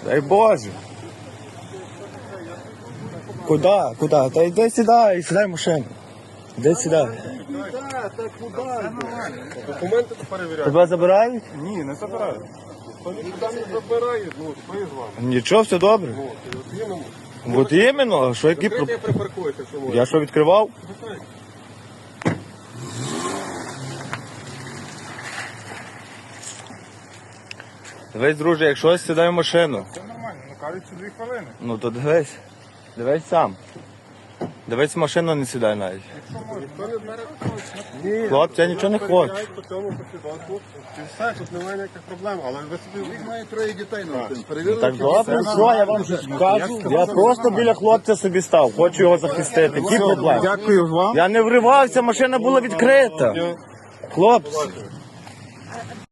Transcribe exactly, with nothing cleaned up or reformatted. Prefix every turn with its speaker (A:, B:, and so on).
A: Дай Боже. Куда? Куда? Та йди сідай, сідай в машину. Йди сідай.
B: Документи перевіряють.
A: Тебе забирають?
B: Ні, не забирають. Хто нікуди не забирає, ну, хто із вами?
A: Нічого, все добре.
B: Ну, от іменно.
A: От іменно, а що які про...
B: Закрите припаркуєте, що можна.
A: Я що відкривав?
B: Закрийте.
A: Дивись, друже, якщо сідай в машину.
B: Це нормально, ну кажуть, що дві хвилини.
A: Ну то дивись. Дивись сам. Дивись, в машину не сідай навіть.
B: Якщо можна. Ніхто не бере Ні.
A: Хлопці, я нічого не хочу.
B: Перевіряють по цьому посвідоцтву. І все, тут немає ніяких проблем. Але ви собі...
C: Їх має троє дітей на один.
A: Ну,
C: Перевірили,
A: так
C: чи
A: добре,
C: все
A: що я вам скажу? Я просто біля хлопця собі став, хочу його захистити. Які проблеми?
B: Дякую вам.
A: Я не вривався, машина була відкрита. Хлопці.